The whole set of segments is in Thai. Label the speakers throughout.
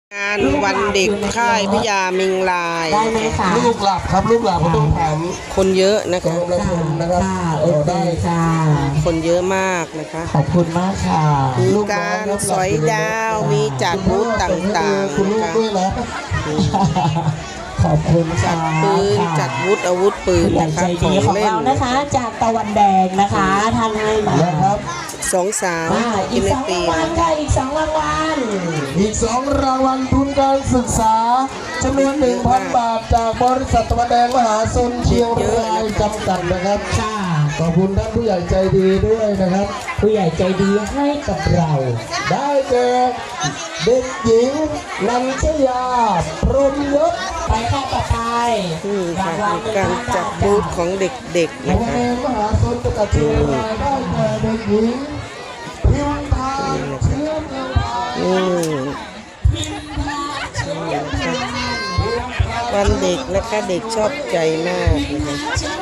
Speaker 1: งานวันเด็กค่ายพญามิงลาย
Speaker 2: ได้ไหมคะ
Speaker 3: ลูกหลับครับลูกหลับก็ต้องถาม
Speaker 1: คนเยอะนะคะ
Speaker 3: นะครับ
Speaker 2: โอเคค่ะ
Speaker 1: คนเยอะมากนะคะ
Speaker 2: ขอบคุณมากค่ะ
Speaker 1: มีการสอยดาวมีจัดบูธต่างๆนะคะ
Speaker 2: ขอบคุณ
Speaker 1: จัดปืนจัดอาวุธปืนนะคะ
Speaker 2: ของเรานะคะจากตะวันแดงนะคะท่านให้มา
Speaker 1: 2 สาว
Speaker 2: อีก2 รางวัลค่ะอีก2 รางวัล
Speaker 3: รางวัลทุนการศึกษาจำนวน 1,000 บาทจากบริษัทตะวันแดงมหาชนเชียงรายจำกัดนะครับขอบคุณท่านผู้ใหญ่ใจดีด้วยนะครับ
Speaker 2: ผู้ใหญ่ใจดีให้กับเรา
Speaker 3: ได้แก่เด็กหญิงนันชยาพรหมยศ
Speaker 2: ไปข้อต่อไป
Speaker 1: นี่ค่ะการจัดบูธของเด็กๆนะคะ
Speaker 3: มหาชนจังหวัดเชียงรายได้แก่เด็กหญิงพิมพาเชื้อเมืองไทย
Speaker 1: วันเด็กนะคะเด็กชอบใจมากนะคะ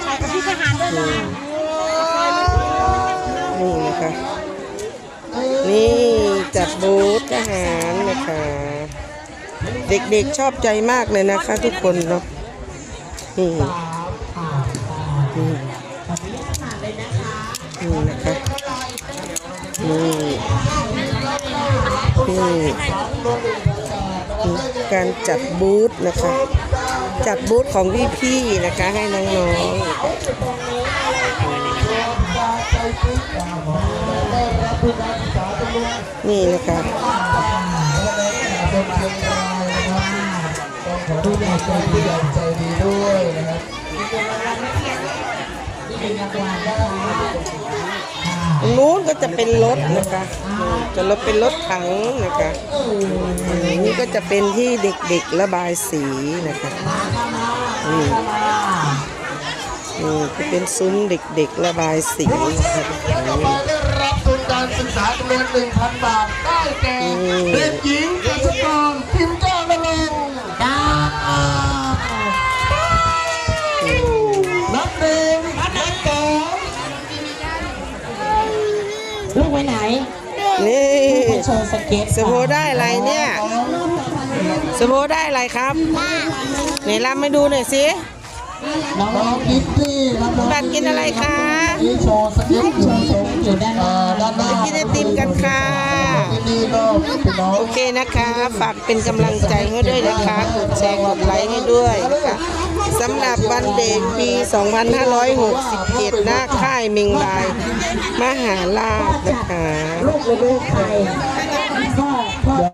Speaker 1: นี่นะคะนี่จัดบูธทหารนะคะเด็กๆชอบใจมากเลยนะคะทุกคนเนาะนี่นะคะนี่การจัดบูธนะคะจัดบูธของพี่ๆนะคะให้น้องๆนี่นะคะ
Speaker 3: ผู้ใหญ่ใจดีด้วยนะครับ
Speaker 1: นู้นก็จะเป็นรถนะคะจะเป็นรถถังนะคะนี่ก็จะเป็นที่เด็กๆระบายสีนะคะนี่จะเป็นซุ้มเด็กๆระบายสีนะคะ
Speaker 3: ได้รับทุนการศึกษาจำนวน 1,000 บาทได้แก่เด็กหญิงกฤษกรพิมพ์เจ้าละลงนับหนึ่งนับสอง
Speaker 2: ลูกไปไหน
Speaker 1: นี่
Speaker 2: โชว์สเก็ต
Speaker 1: สโบได้อะไรเนี่ยสโบได้อะไรครับไหนรำให้ดูหน่อยสิ
Speaker 3: น้องกิฟตี้
Speaker 1: บัตรกินอะไรคะ
Speaker 3: โชว์สเก็ต
Speaker 2: อยู่ด้านหน้า
Speaker 1: กินไอติมกันค่ะโอเคนะคะฝากเป็นกำลังใจให้ด้วยนะคะกดแชร์กดไลค์ให้ด้วยนะคะสำหรับวันเด็กปี 2567 หน้าค่ายมิงลายมหาราชนะคะ
Speaker 2: ลูกใคร